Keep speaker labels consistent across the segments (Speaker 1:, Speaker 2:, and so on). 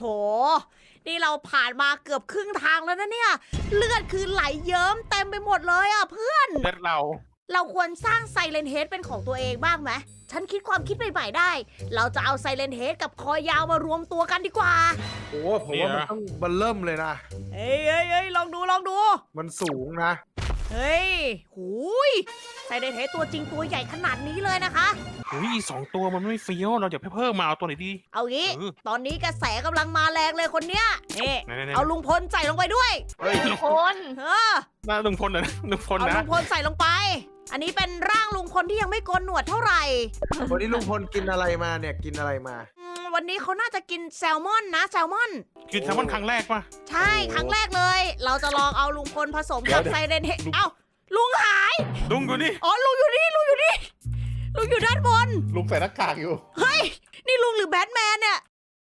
Speaker 1: นี่เราผ่านมาเกือบครึ่งทางแล้วนะเนี่ย เลือดคือไหลเยิ้มเต็มไปหมดเลยอ่ะเพื่อน
Speaker 2: เลือดเรา
Speaker 1: เราควรสร้างไซเลนเฮดเป็นของตัวเองบ้างไหม ฉันคิดความคิดใหม่ๆได้ เราจะเอาไซเลนเฮดกับคอยาวมารวมตัวกันดีกว่า
Speaker 3: โอ้ผมว่ามันต้องเบันเริ่มเลยนะ
Speaker 1: เฮ้ยลองดู
Speaker 3: มันสูงนะ
Speaker 1: เฮ้ยหูยไซเลนเฮดตัวจริงตัวใหญ่ขนาดนี้เลยนะคะ
Speaker 2: อุ้ย2 ตัวมันไม่เฟี้ยวเราอย่าเพิ่มมาเอาตัวไหนดี
Speaker 1: เอางี้
Speaker 2: เออ
Speaker 1: ตอนนี้กระแสกำลังมาแรงเลยคนเนี้ยนี่
Speaker 2: ไหนๆๆ
Speaker 1: เอาลุงพลใส่ลงไปด้วย
Speaker 3: เฮ้ย
Speaker 4: คน
Speaker 1: เออ
Speaker 2: หน้าลุงพลนะลุงพล
Speaker 1: เอา
Speaker 2: นะ
Speaker 1: ลุงพลใส่ลงไป อันนี้เป็นร่างลุงพลที่ยังไม่โกนหนวดเท่าไหร่
Speaker 3: วันนี้ลุงพลกินอะไรมาเนี่ยกินอะไรมา
Speaker 1: วันนี้เขาน่าจะกินแซลมอนนะแซลมอน
Speaker 2: คือแซลมอนครั้งแรกป่ะ
Speaker 1: ใช่ครั้งแรกเลย เราจะลองเอาลุงพลผสมกับ
Speaker 3: เดี๋ยว
Speaker 1: ไซเรนเฮดเอ้าลุงหาย
Speaker 2: ลุงอยู่นี่
Speaker 1: อ๋อลุงอยู่นี่ลุงอยู่ด้านบน
Speaker 3: ลุงใส่หน้ากากอยู่
Speaker 1: เฮ้ย นี่ลุงหรือแบทแมนเนี่ย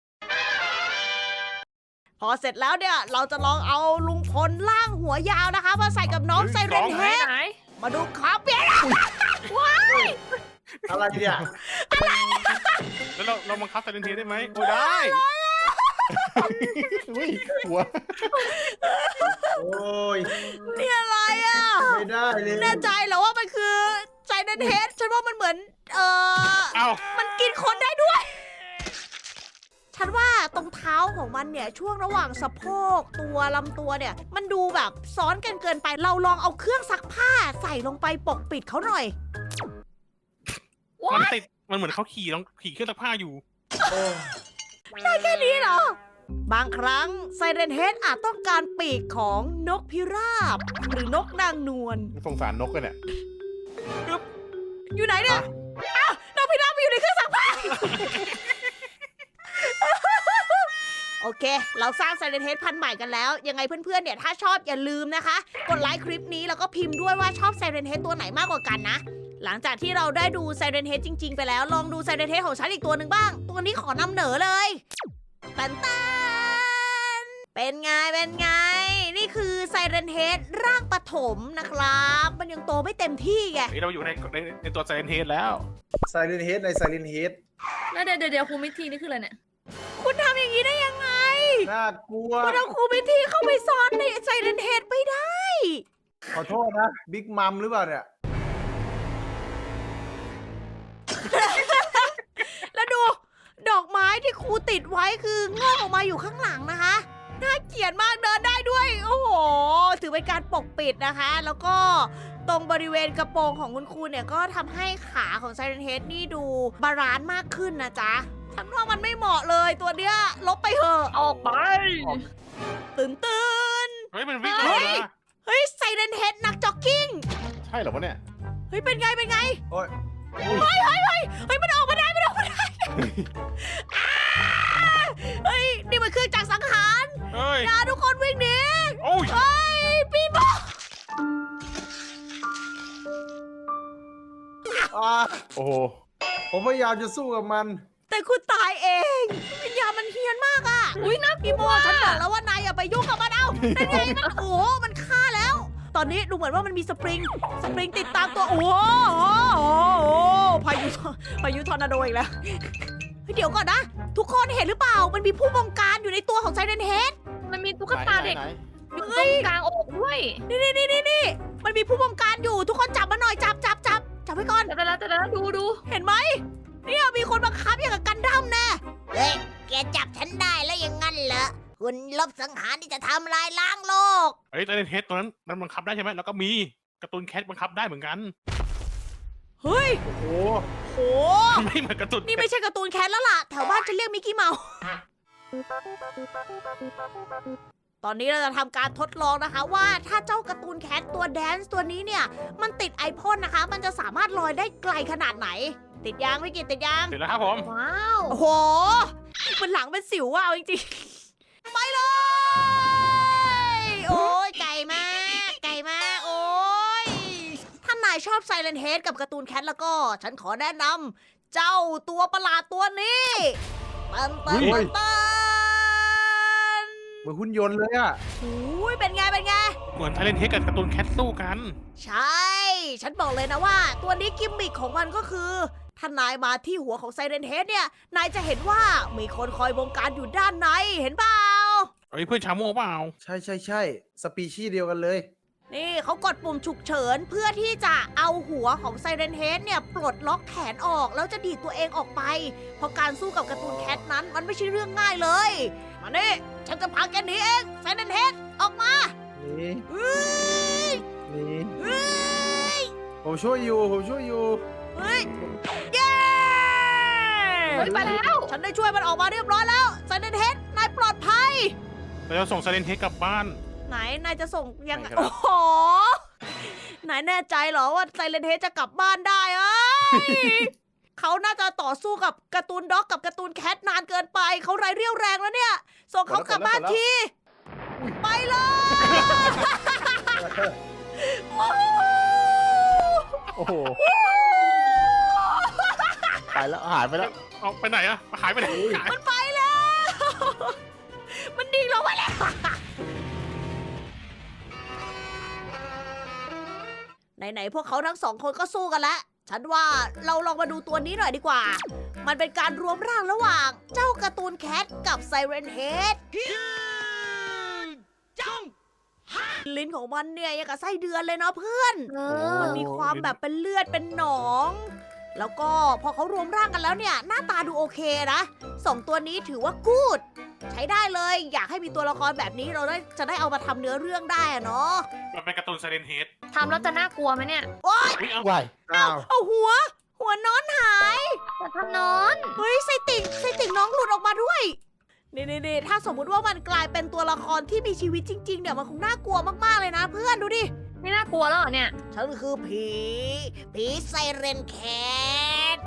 Speaker 1: พอเสร็จแล้วเนี่ย เราจะลองเอาลุงพลล่างหัวยาวนะคะ มาใส่กับน้องไซเรนเฮด
Speaker 4: ไหน
Speaker 1: มาดูขาเปียก
Speaker 3: อะไรเนี่ย
Speaker 2: แล้วเราบังคับไซเลนเทได้ไหมโอ้ได้
Speaker 3: อุ้ยหัวโอ้ย
Speaker 1: นี่อะไรอ่ะ
Speaker 3: ไม่ได้เลย
Speaker 1: แน่ใจเหรอว่ามันคือไซเรนเฮดฉันว่ามันเหมือน
Speaker 2: เอ้า
Speaker 1: มันกินคนได้ด้วย ฉันว่าตรงเท้าของมันเนี่ยช่วงระหว่างสะโพกตัวลำตัวเนี่ย มันดูแบบซ้อนกันเกินไป เราลองเอาเครื่องซักผ้าใส่ลงไปปกปิดเขาหน่อย
Speaker 2: มันติดมันเหมือนเขาขี่เครื่องซักผ้าอยู่
Speaker 3: โอ้
Speaker 1: ได้แค่นี้เหรอ บางครั้งไซเรนเฮดอาจต้องการปีกของนกพิราบ หรือนกนางนวล
Speaker 3: สงสารนกกันเนี่ย
Speaker 1: อยู่ไหนเนี่ยอ้าวนกพิราบมันอยู่ในเครื่องซักผ้า โอเค เราสร้างไซเรนเฮดพันธุ์ใหม่กันแล้ว ยังไงเพื่อนๆ เนี่ยถ้าชอบอย่าลืมนะคะ กดไลค์คลิปนี้แล้วก็พิมพ์ด้วยว่าชอบไซเรนเฮดตัวไหนมากกว่ากันนะ หลังจากที่เราได้ดูไซเรนเฮดจริง ๆ ไปแล้ว ลองดูไซเรนเฮดของฉันอีกตัวหนึ่งบ้าง ตัวนี้ขอนำเหนอเลยตันตันเป็นไง นี่คือไซเรนเฮดร่างปฐมนะครับ มันยังโตไม่เต็มที่ไง
Speaker 2: เฮ้ยเราอยู่ในตัวไซเลนเทแล้ว
Speaker 3: ไซเรนเฮดในไซเรนเฮด
Speaker 4: แล้วเดี๋ยวครูมิทีนี่คืออะไรเนี่ย
Speaker 1: คุณทำอย่างนี้ได้ยังไง
Speaker 3: น่ากลัว
Speaker 1: คุณเอาครูพิธีเข้าไปซ่อนในไซเรนเฮดไม่ได้
Speaker 3: ขอโทษนะบิ๊กมัมหรือเปล่าเนี่ย
Speaker 1: แล้วดูดอกไม้ที่ครูติดไว้คืองอกออกมาอยู่ข้างหลังนะคะ น่าเกลียดมากเดินได้ด้วย โอ้โห ถือเป็นการปกปิดนะคะ แล้วก็ตรงบริเวณกระโปรงของคุณครูเนี่ยก็ทำให้ขาของไซเรนเฮดนี่ดูบาลานซ์มากขึ้นนะจ๊ะ ฉันว่ามันไม่เหมาะเลยตัวเนี้ยลบไปเถอะ
Speaker 4: ออกไป
Speaker 1: ตื่น
Speaker 2: เฮ้ยมันวิ่ง
Speaker 1: เฮ้
Speaker 2: มาย
Speaker 1: เฮ้ยไซเรนเฮดนักจ็อกกิ้ง
Speaker 3: ใช่เหรอวะเนี่ย
Speaker 1: เฮ้ยเป็นไง
Speaker 3: โอ้ย
Speaker 1: เฮ้ยมันออกมาได้อ่าเฮ้ยนี่มันเครื่องจักรสังหาร
Speaker 2: เฮ้ย
Speaker 1: อย่าทุกคนวิ่งหนี
Speaker 2: โอ้ย
Speaker 1: เฮ้ยปีโป้
Speaker 3: โอ้โหผมพยายามจะสู้กับมัน
Speaker 1: แต่คุณตายเองวิญญาณมันเฮี้ยนมากอ่ะอุ้ยนะปีโป้ฉันบอกแล้วว่านายอย่าไปยุ่งกับมันเอาเป็นไงมันโอ้โหมันฆ่าแล้ว ตอนนี้ดูเหมือนว่ามันมีสปริงติดตามตัวโอ้โหพายุทอร์นาโดอีกแล้วเฮ้ยเดี๋ยวก่อนนะ ทุกคนเห็นหรือเปล่ามันมีผู้บงการอยู่ในตัวของไซเรนเฮด
Speaker 4: มันมีตุ๊กตาเด็ก
Speaker 3: ไหน
Speaker 4: อยู่ตรงกลางอกด้วย
Speaker 1: นี่มันมีผู้บงการอยู่ทุกคนจับมันหน่อยจับไว้ก่อน
Speaker 4: แต่ละดู
Speaker 1: เห็นไหมเนี่ยมีคนบังคับอย่างกับกันดั้มแน่เฮ้ยแกจับฉันได้แล้วยังงั้นเหรอคุณลบสังหารที่จะทำลายล้างโลก
Speaker 2: เฮ้ยไซเลนเทตัวนั้นมันบังคับได้ใช่ไหมแล้วก็มีการ์ตูนแคทบังคับได้เหมือนกัน
Speaker 1: เฮ้ย
Speaker 3: โอ้โห
Speaker 1: โห
Speaker 2: ไม่เหมือนการ์ตูน
Speaker 1: นี่ไม่ใช่การ์ตูนแคทแล้วล่ะแถวบ้านจะเรียกมิกกี้เมาส์ตอนนี้เราจะทำการทดลองนะคะว่าถ้าเจ้าการ์ตูนแคทตัวแดนซ์ตัวนี้เนี่ยมันติดไอพ่นนะคะ มันจะสามารถลอยได้ไกลขนาดไหน ติดยางไม่กินติดยาง
Speaker 2: เสร็จแล้วครับผม
Speaker 4: ว้าว
Speaker 1: โอ้โห มันหลังเป็นสิวว่ะเอาจริงๆ ไปเลย โอ้ยไก่มาก โอ้ย ถ้านายชอบไซเลนเฮดกับการ์ตูนแคทแล้วก็ ฉันขอแนะนำเจ้าตัวประหลาดตัวนี้ตัน
Speaker 3: เหมือนหุ่นยนต์เลยอะ
Speaker 1: โอ้ยเป็นไง
Speaker 2: เหมือนไซเลนเทกับการ์ตูนแคทสู้กัน
Speaker 1: ใช่ ฉันบอกเลยนะว่า ตัวนี้กิมมิคของมันก็คือถ้านายมาที่หัวของไซเรนเฮดเนี่ย นายจะเห็นว่ามีคนคอยบงการอยู่ด้านใน เห็นเปล่า
Speaker 2: เฮ้ยเพื่อนชาโม่เปล่า
Speaker 3: ใช่สปีชีส์เดียวกันเลย
Speaker 1: นี่เขากดปุ่มฉุกเฉินเพื่อที่จะเอาหัวของไซเรนเฮดเนี่ยปลดล็อกแขนออกแล้วจะดีดตัวเองออกไป เพราะการสู้กับการ์ตูนแคทนั้นมันไม่ใช่เรื่องง่ายเลย มานี่ฉันจะพาแกหนีเองไซเรนเฮดออกมา
Speaker 3: นี่
Speaker 1: เฮ้ย
Speaker 3: นี่
Speaker 1: เฮ้ย
Speaker 3: ผมช่วยอยู่
Speaker 1: เฮ้ยเย้
Speaker 4: เฮ้ยไปแล้ว
Speaker 1: ฉันได้ช่วยมันออกมาเรียบร้อยแล้วไซเรนเฮดนายปลอดภัย
Speaker 2: เราจะส่งไซเลนเฮดกลับบ้าน
Speaker 1: ไหนนายจะส่งยังไง
Speaker 2: ไหนครับ
Speaker 1: โอ้โหนายแน่ใจเหรอว่าไซเรนเฮดจะกลับบ้านได้เอ้ย เขาน่าจะต่อสู้กับการ์ตูนด็อกกับการ์ตูนแคทนานเกินไป เขาไร้เรี่ยวแรงแล้วเนี่ย ส่งเขากลับบ้านที ไปเลย
Speaker 5: โอ้โหไปแล้วหายไปแล้ว
Speaker 2: เอาไปไหนอะหายไปไหนหาย
Speaker 1: มันไปแล้ว มันดิ่งลงไปแล้ว ไหนๆพวกเขาทั้งสองคนก็สู้กันแล้ว ฉันว่าเราลองมาดูตัวนี้หน่อยดีกว่า มันเป็นการรวมร่างระหว่างเจ้าการ์ตูนแคทกับไซเรนเฮดลิ้นของมันเนี่ยยังกับไส้เดือนเลยเนาะเพื่อน มันมีความแบบเป็นเลือดเป็นหนอง แล้วก็พอเขารวมร่างกันแล้วเนี่ย หน้าตาดูโอเคนะสองตัวนี้ถือว่ากูด ใช้ได้เลย อยากให้มีตัวละครแบบนี้เราจะได้เอามาทำเนื้อเรื่องได้อะเนาะ
Speaker 2: มันเป็นการ์ตูนไซเลนเฮด
Speaker 4: ทำแล้วจะน่ากลัวไหมเนี่ย
Speaker 1: โอ๊ย
Speaker 2: เอา
Speaker 5: วาย
Speaker 3: อ้าว
Speaker 1: เอาหัวนอนหาย
Speaker 4: จะทำนอน
Speaker 1: เฮ้ยไส้ติ่งน้องหลุดออกมาด้วย นี่ถ้าสมมุติว่ามันกลายเป็นตัวละครที่มีชีวิตจริงๆเนี่ยมันคงน่ากลัวมากๆเลยนะเพื่อนดูดิ
Speaker 4: ไม่น่ากลัวแล้วเหรอเนี่ย
Speaker 1: ฉันคือผีไซเรนแคท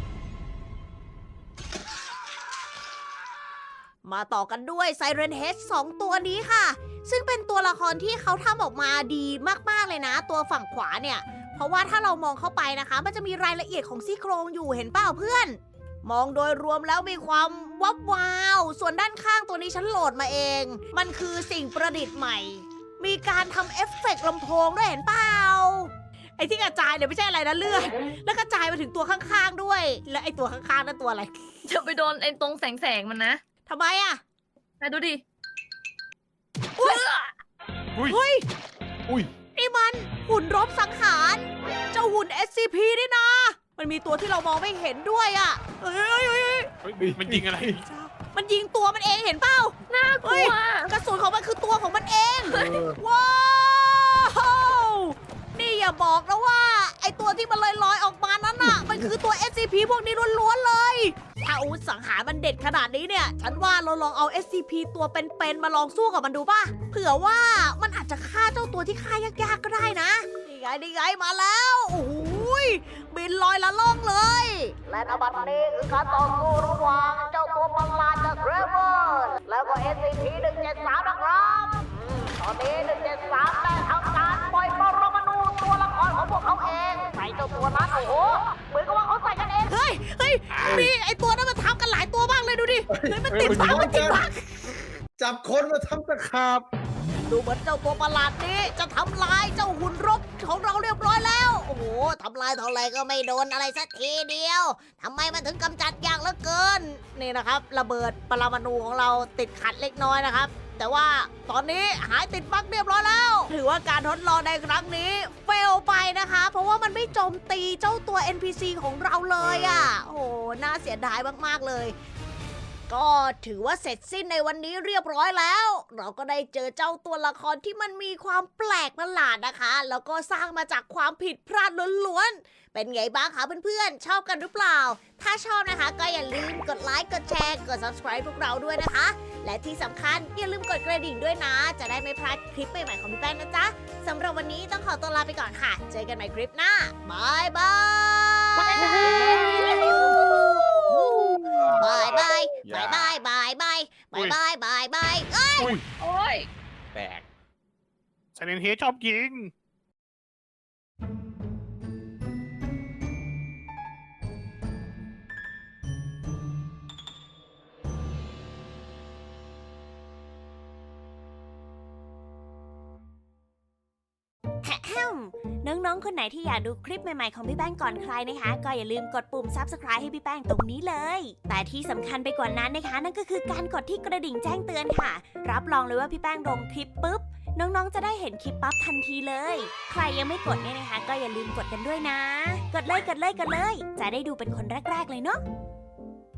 Speaker 1: มาต่อกันด้วยไซเรนเฮด2ตัวนี้ค่ะ ซึ่งเป็นตัวละครที่เขาทำออกมาดีมากๆเลยนะ ตัวฝั่งขวาเนี่ย เพราะว่าถ้าเรามองเข้าไปนะคะ มันจะมีรายละเอียดของซี่โครงอยู่เห็นเปล่าเพื่อน มองโดยรวมแล้วมีความวับวาว ส่วนด้านข้างตัวนี้ฉันโหลดมาเอง มันคือสิ่งประดิษฐ์ใหม่ มีการทำเอฟเฟกต์ลำโพงด้วยเห็นเปล่า ไอ้ที่กระจายเนี่ยไม่ใช่อะไรนะเลือด แล้วกระจายมาถึงตัวข้างๆด้วย และไอ้ตัวข้างๆนั่นตัวอะไร
Speaker 4: จะไปโดนไอ้ตรงแสงมันนะ
Speaker 1: ทำไมอะ
Speaker 4: ไหนดูดิ
Speaker 2: อุ้ย
Speaker 1: เฮ้ย
Speaker 5: อุ้ย
Speaker 1: นี่มันหุ่นรบสังหาร เจ้าหุ่น SCP นี่นะ มันมีตัวที่เรามองไม่เห็นด้วยอะเฮ้ย
Speaker 2: เฮ้ยมันยิงอะไร
Speaker 1: มันยิงตัวมันเองเห็นเปล่า
Speaker 4: น่ากลัว
Speaker 1: กระสุนของมันคือตัวของมันเอง
Speaker 3: เออ
Speaker 1: ว้าว นี่อย่าบอกนะว่า ไอตัวที่มันลอยๆออกมานั้นน่ะ มันคือตัว SCP พวกนี้ล้วนๆเลย ถ้าอาวุธสังหารมันเด็ดขนาดนี้เนี่ย ฉันว่าเราลองเอา SCP ตัวเป็นๆมาลองสู้กับมันดูป่ะ เผื่อว่ามันอาจจะฆ่าเจ้าตัวที่ฆ่ายากๆก็ได้นะ นี่ไงมาแล้ว โอ้โหยบินลอยละล่องเลย และนบัดนี้คือการต่อสู้ระหว่างเจ้าตัวประหลาดจากเรเวอร์แล้วก็ SCP-173 นะครับตอนนี้ 173 ได้ทำการปล่อยปรมาณูตัวละครของพวกเขาเองใส่เจ้าตัวนั้นโอ้โห เหมือนกับว่าเขาใส่กันเอง เฮ้ยมีไอตัวนั้นมันทำกันหลายตัวบ้างเลยดูดิ เฮ้ยมันติดพักมันติดพัก
Speaker 3: จับคนมาทำตะขาบ
Speaker 1: ดูเหมือนเจ้าตัวประหลาดนี้จะทำลายเจ้าหุ่นรบของเราเรียบร้อยแล้ว โอ้โหทำลายเท่าไรก็ไม่โดนอะไรสักทีเดียวทำไมมันถึงกำจัดยากเหลือเกิน นี่นะครับ ระเบิดปรมาณูของเราติดขัดเล็กน้อยนะครับ แต่ว่าตอนนี้หายติดบั๊กเรียบร้อยแล้ว ถือว่าการทดลองในครั้งนี้เฟลไปนะคะ เพราะว่ามันไม่โจมตีเจ้าตัว NPC ของเราเลยอ่ะ โอ้โหน่าเสียดายมากๆเลย ก็ถือว่าเสร็จสิ้นในวันนี้เรียบร้อยแล้ว เราก็ได้เจอเจ้าตัวละครที่มันมีความแปลกประหลาดนะคะ แล้วก็สร้างมาจากความผิดพลาดล้วนๆ เป็นไงบ้างคะเพื่อนๆ ชอบกันหรือเปล่า ถ้าชอบนะคะ ก็อย่าลืมกดไลค์ กดแชร์ กด subscribe พวกเราด้วยนะคะ และที่สำคัญอย่าลืมกดกระดิ่งด้วยนะ จะได้ไม่พลาดคลิปใหม่ๆของพี่แป้งนะจ๊ะสำหรับวันนี้ต้องขอตัวลาไปก่อนค่ะ เจอกันใหม่คลิปหน้าบายบาย บายบายบายบายบายบายบายบายบายเอ้ย
Speaker 2: อุ้ย
Speaker 4: โอ้ย
Speaker 5: แปลก
Speaker 2: ไซเลนเฮดชอบยิง
Speaker 1: แฮมในน้องๆคนไหนที่อยากดูคลิปใหม่ๆของพี่แป้งก่อนใครนะคะ ก็อย่าลืมกดปุ่ม Subscribe ให้พี่แป้งตรงนี้เลย แต่ที่สำคัญไปกว่านั้นนะคะ นั่นก็คือการกดที่กระดิ่งแจ้งเตือนค่ะ รับรองเลยว่าพี่แป้งลงคลิปปุ๊บน้องๆจะได้เห็นคลิปปั๊บทันทีเลย ใครยังไม่กดเนี่ยนะคะ ก็อย่าลืมกดกันด้วยนะ กดเลย จะได้ดูเป็นคนแรกๆเลยเนาะ